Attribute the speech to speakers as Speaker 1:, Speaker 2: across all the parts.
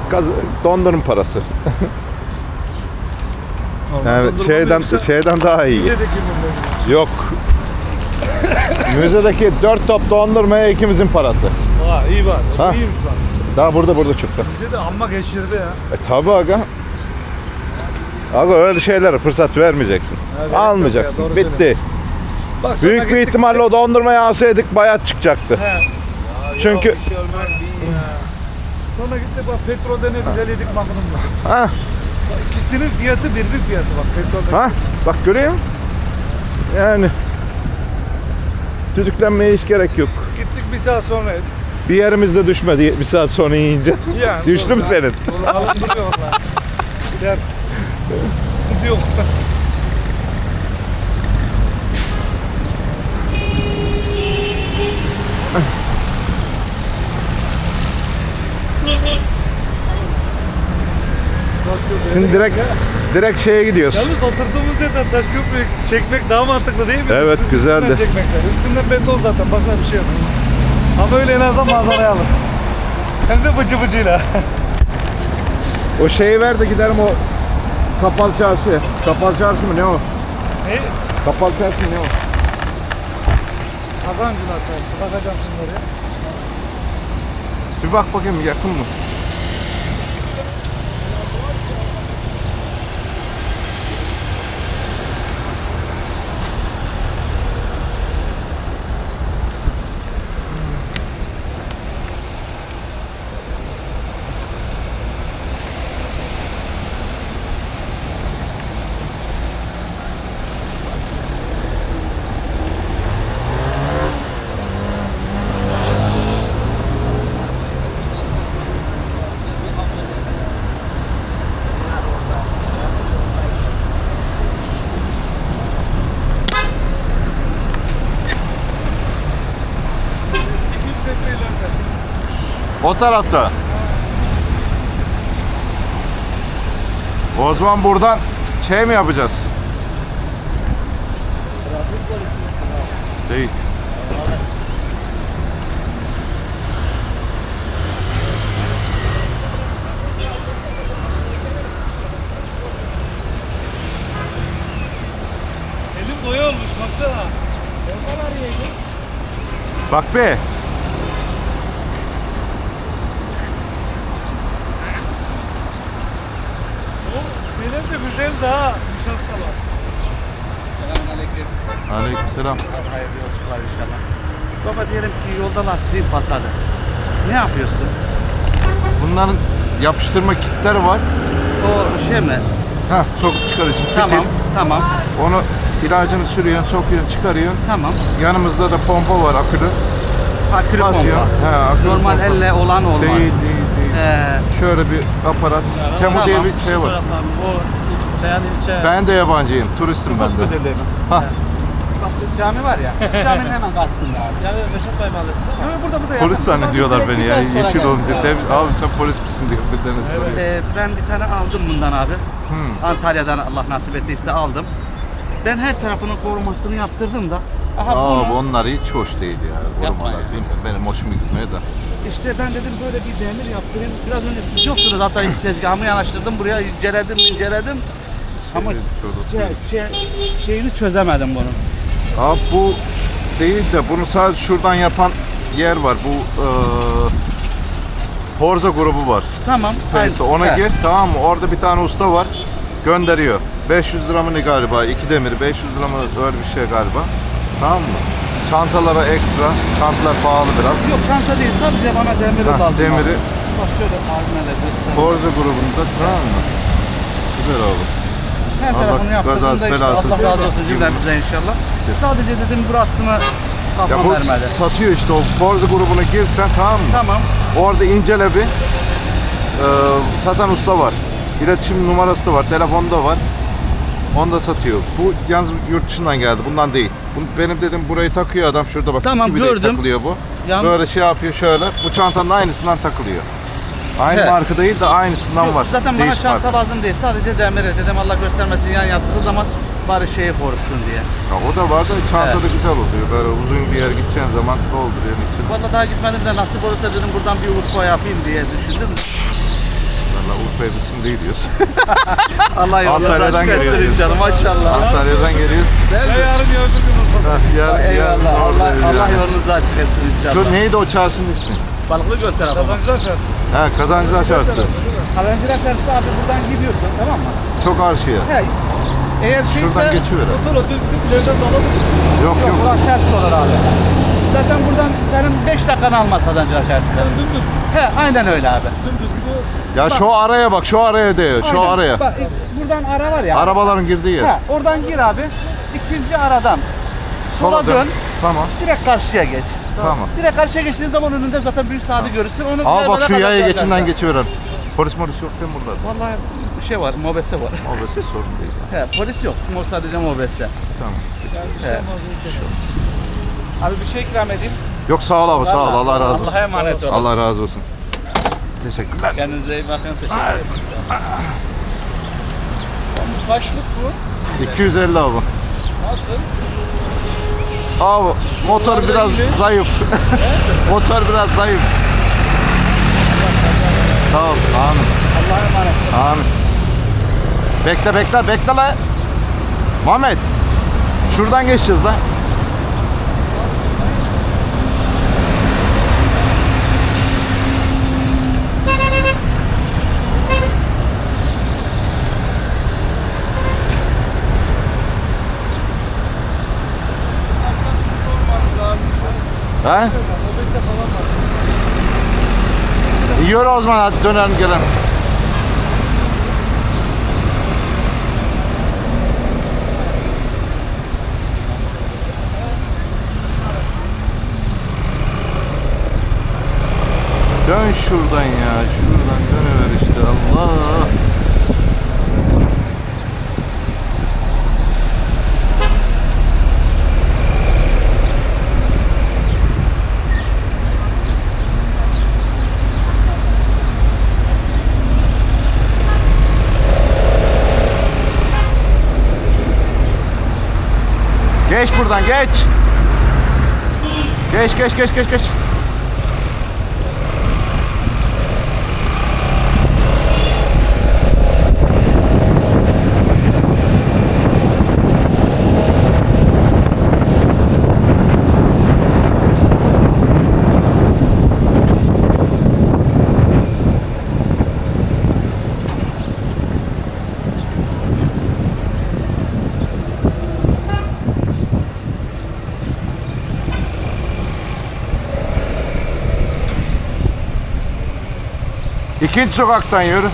Speaker 1: Dondurma parası. Yani
Speaker 2: Dondurma
Speaker 1: şeyden daha iyi.
Speaker 2: Müzedeki mi?
Speaker 1: Yok. Müzedeki 4 top dondurmaya ikimizin parası.
Speaker 2: Aa iyi var.
Speaker 1: Ha.
Speaker 2: O iyiymiş bak.
Speaker 1: Daha burada çıktı.
Speaker 2: Müzede amma geçirdi ya.
Speaker 1: Tabi aga. Aga öyle şeylere fırsat vermeyeceksin.
Speaker 2: Evet,
Speaker 1: Almayacaksın.
Speaker 2: yok ya, doğru
Speaker 1: Bitti.
Speaker 2: Bak, sonra
Speaker 1: Büyük bir
Speaker 2: gittik.
Speaker 1: ihtimalle o dondurmayı alsaydık bayat çıkacaktı.
Speaker 2: He.
Speaker 1: Çünkü
Speaker 2: Yok, bir şey olmaz. Sonra gittik bak petrolden ne güzel yedik makinamda.
Speaker 1: ha
Speaker 2: İkisinin fiyatı birbir fiyatı bak petrolden.
Speaker 1: ha bak görüyor musun? Yani düdüklenmeye hiç gerek yok.
Speaker 2: Gittik bir saat sonra yedik.
Speaker 1: Bir yerimizde düşmedi bir saat sonra yiyince.
Speaker 2: Yani,
Speaker 1: Düştü mü senin?
Speaker 2: Alıştırıyor onlar. Gider. Gidiyor.
Speaker 1: Şimdi direkt şeye gidiyoruz.
Speaker 2: Yalnız oturduğumuz yerden Taşköprü'yü çekmek daha mantıklı değil mi?
Speaker 1: Evet, güzeldi.
Speaker 2: Üstünden çekmekler. Üstünden beton zaten başka bir şey yok. Ama öyle en azından manzarayı alır. Hem de bıcı bıcıyla.
Speaker 1: O şeyi ver de giderim o Kapalı Çarşı'ya. Kapalı Çarşı mı ne o?
Speaker 2: Ne?
Speaker 1: Kapalı Çarşı mı ne o?
Speaker 2: Kazancılar çarşı. Bakacağım şimdi oraya.
Speaker 1: Bir bak bakayım yakın mı? O tarafta. O zaman buradan şey mi yapacağız? Değil.
Speaker 2: Elim boya olmuş baksana. Oradan arayayım.
Speaker 1: Bak be.
Speaker 2: O benim de güzel daha nişastalar.
Speaker 3: Selamünaleyküm.
Speaker 1: Aleykümselam.
Speaker 3: Hayırlı yolculuklar inşallah. Baba diyelim ki yolda lastiğin patladı. Ne yapıyorsun?
Speaker 1: Bunların yapıştırma kitleri var.
Speaker 3: O şey mi?
Speaker 1: Ha, sokup çıkarıyorsun.
Speaker 3: Tamam,
Speaker 1: Fitil.
Speaker 3: tamam,
Speaker 1: Onu ilacını sürüyorsun, sokuyorsun, çıkarıyorsun.
Speaker 3: tamam.
Speaker 1: Yanımızda da pompa var, akülü.
Speaker 3: Akülü
Speaker 1: Basıyor.
Speaker 3: pompa.
Speaker 1: He, akülü
Speaker 3: Normal
Speaker 1: pompa.
Speaker 3: elle olan olmaz.
Speaker 1: Değil. Şöyle bir aparat. Temu diye
Speaker 3: Tamam.
Speaker 1: bir şey var.
Speaker 4: O Seyhan ilçe.
Speaker 1: Ben de yabancıyım, turistim ben de. Ha,
Speaker 3: Bak bu cami var ya. Caminin hemen karşısında abi.
Speaker 4: Yani Reşat Bey mahallesinde mi?
Speaker 3: Yok, burada
Speaker 1: polis zannediyorlar
Speaker 3: Direkt
Speaker 1: beni
Speaker 3: bir
Speaker 1: ya.
Speaker 3: tane sonra
Speaker 1: Yeşil
Speaker 3: geldim.
Speaker 1: olunca. Abi sen polis misin diyor bir tane soruyor.
Speaker 3: Ben bir tane aldım bundan abi.
Speaker 1: Hmm.
Speaker 3: Antalya'dan Allah nasip ettiyse aldım. Ben her tarafının korumasını yaptırdım da. Aha
Speaker 1: Abi
Speaker 3: bunu,
Speaker 1: onlar hiç hoş değil ya. Korumalar
Speaker 3: ya.
Speaker 1: bilmiyorum. Benim hoşuma gitmiyor da.
Speaker 3: işte ben dedim böyle bir demir yaptırayım. Biraz önce siz yoktunuz hatta tezgahımı yanaştırdım buraya inceledim. Ama şeyini çözemedim bunun.
Speaker 1: Abi bu değil de bunu sadece şuradan yapan yer var. Bu Horza grubu var.
Speaker 3: Tamam.
Speaker 1: Neyse ona
Speaker 3: He.
Speaker 1: gir, tamam mı? Orada bir tane usta var. Gönderiyor. 500 lira mı ne galiba? 2 demir 500 lira mı öyle bir şey galiba. Tamam mı? Çantalara ekstra. Çantalar pahalı biraz.
Speaker 3: Yok çanta değil sadece bana demiri
Speaker 1: Hah,
Speaker 3: lazım.
Speaker 1: demiri.
Speaker 3: Abi. Bak şöyle abime de göstereyim.
Speaker 1: Horza grubunda, tamam mı? Güzel oldu.
Speaker 3: Her
Speaker 1: Allah
Speaker 3: tarafını yaptırdım
Speaker 1: kazası
Speaker 3: da işte
Speaker 1: belasız
Speaker 3: Allah razı olsun
Speaker 1: versin.
Speaker 3: cümlemize inşallah. Sadece dedim burasını
Speaker 1: Ya
Speaker 3: kafam
Speaker 1: bu
Speaker 3: vermedi.
Speaker 1: satıyor işte o Horza grubuna girsen, tamam mı?
Speaker 3: Tamam.
Speaker 1: Orada incele bir. Satan usta var. İletişim numarası da var, telefonu da var. Onu da satıyor. Bu yalnız yurt dışından geldi. Bundan değil. Benim dedim burayı takıyor adam şurada bak.
Speaker 3: Tamam,
Speaker 1: gibi de
Speaker 3: gördüm.
Speaker 1: takılıyor bu.
Speaker 3: Yan-
Speaker 1: Böyle şey yapıyor şöyle. Bu çantanın aynısından takılıyor. Aynı
Speaker 3: He.
Speaker 1: marka değil de aynısından
Speaker 3: Yok,
Speaker 1: var.
Speaker 3: zaten bana
Speaker 1: Değişik
Speaker 3: çanta
Speaker 1: marka.
Speaker 3: lazım değil. Sadece demiri dedim Allah göstermesin yan yattığı zaman bari şeyi korusun diye.
Speaker 1: Ya o da var da çanta da
Speaker 3: Evet.
Speaker 1: güzel oluyor. Böyle uzun bir yer gideceğin zaman dolduruyor için.
Speaker 3: Vallahi daha gitmedim de nasip olursa dedim buradan bir Urfa yapayım diye düşündüm.
Speaker 1: Valla Urfa'ya biz şimdi gidiyoruz.
Speaker 3: Allah yolunuz
Speaker 1: Antalya'dan
Speaker 3: açık etsin
Speaker 1: geliyoruz.
Speaker 3: inşallah maşallah.
Speaker 1: Antalya'dan geliyoruz.
Speaker 2: Ya yarın gördük onu.
Speaker 3: Eyvallah. Allah,
Speaker 1: oradayız
Speaker 3: Allah
Speaker 1: yani.
Speaker 3: yolunuzu açık etsin inşallah.
Speaker 1: Şu neydi o çarşının ismi?
Speaker 3: Balıklı Göl tarafı.
Speaker 2: Kazancılar çarşı.
Speaker 1: Ha, Kazancılar Çarşısı.
Speaker 3: Kazancılar Çarşısı abi buradan gidiyorsun tamam mı?
Speaker 1: Çok karşıya.
Speaker 3: He. Eğer
Speaker 1: Şuradan
Speaker 3: şeyse...
Speaker 1: geçiver.
Speaker 2: Otur o düz ileriden dolu.
Speaker 1: Yok
Speaker 3: Yok
Speaker 1: yok.
Speaker 3: burası ters olur abi. Zaten buradan senin 5 dakikanı almaz Kazancılar Çarşısı.
Speaker 2: Dümdüz.
Speaker 3: He aynen öyle abi.
Speaker 2: Dümdüz gidiyoruz.
Speaker 1: Ya şu araya bak, şu araya değiyor. Şu
Speaker 3: Aynen.
Speaker 1: araya.
Speaker 3: Bak buradan ara var ya.
Speaker 1: Arabaların girdiği yer.
Speaker 3: He, oradan gir abi. İkinci aradan sola dön.
Speaker 1: Tamam.
Speaker 3: Direkt karşıya geç.
Speaker 1: Tamam.
Speaker 3: Direkt karşıya geçtiğin zaman önünde zaten büyük saati görürsün. Onu
Speaker 1: Al bak
Speaker 3: görmeden
Speaker 1: şu yaya
Speaker 3: Kazancılar
Speaker 1: geçinden
Speaker 3: Çarşısı.
Speaker 1: geçiveren. Polis molis yok değil mi burada?
Speaker 3: Vallahi bir şey var, mobese var.
Speaker 1: Mobese sorun değil.
Speaker 3: He, polis yok. Sadece mobese.
Speaker 1: Tamam.
Speaker 3: He. Abi bir şey ikram edeyim.
Speaker 1: Yok sağ ol abi, sağ ol. Allah razı olsun.
Speaker 3: Allah'a emanet olun.
Speaker 1: Allah razı olsun. Teşekkürler.
Speaker 3: Kendinize iyi bakın. Teşekkür ederim.
Speaker 4: Kaçlık bu?
Speaker 1: 250 abi.
Speaker 4: Nasıl?
Speaker 1: Abi motor
Speaker 4: Yollarda
Speaker 1: biraz
Speaker 4: iyi.
Speaker 1: zayıf. Motor biraz zayıf. Sağ ol. Amin.
Speaker 3: Allah'a emanet.
Speaker 1: Amin. Bekle la. Muhammed. Şuradan geçeceğiz la. He? Yürü o zaman hadi dönelim gelelim. Dön şuradan ya, şuradan dönüver işte Allah. Geç buradan geç. Geç. İkinci sokaktan yürü.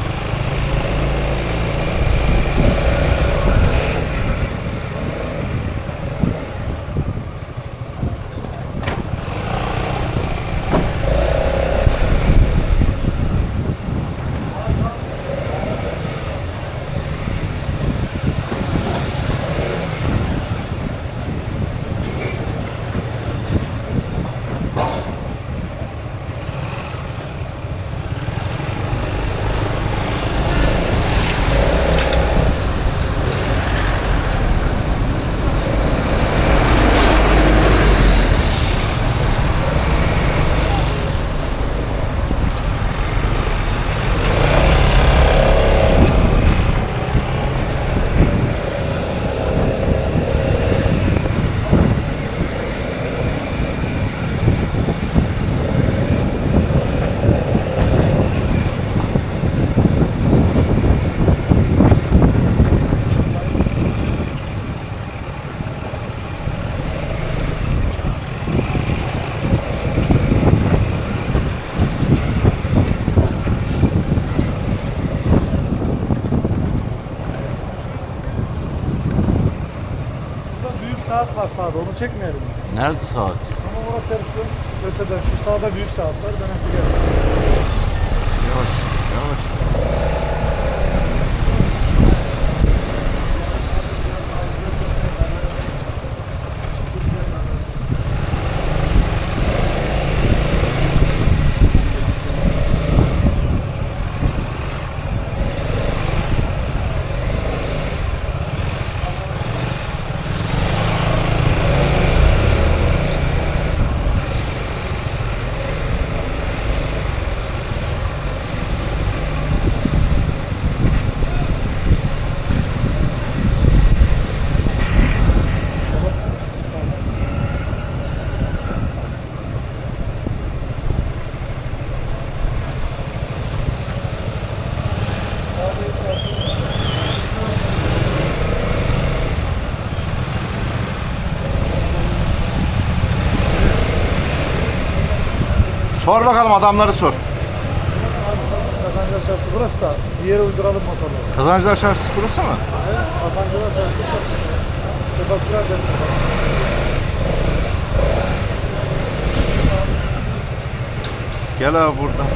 Speaker 2: Burada büyük saat var sağda onu çekmeyelim.
Speaker 1: Nerede saat?
Speaker 2: Ama orada tersi öteden şu sağda büyük saat var ben hep giderim.
Speaker 1: Yavaş. Sor bakalım, adamları sor.
Speaker 2: Kazancılar Çarşısı burası da bir yere uyduralım motorları.
Speaker 1: Kazancılar Çarşısı burası mı?
Speaker 2: Evet, Kazancılar Çarşısı burası. Kebapçılar dedim.
Speaker 1: Gel abi buradan.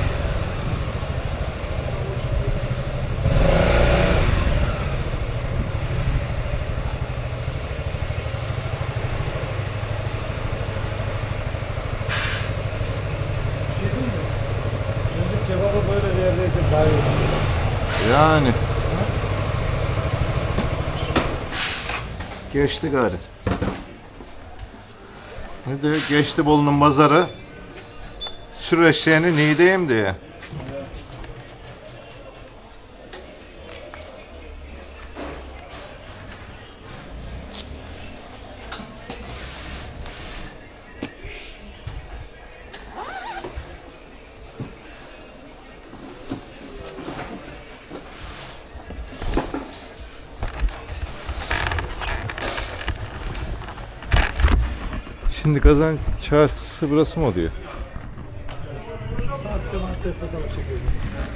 Speaker 2: Bir şey değil mi? Önce kebabı böyle bir yerde yesek daha iyi olur.
Speaker 1: Yani. Geçti gari. Ne diyor? Geçti Bolu'nun pazarı. Sür eşeğini Niğde'yim diye. Şimdi Kazan Çarşısı burası mı oluyor?
Speaker 2: Saatte bana test edelim çekelim.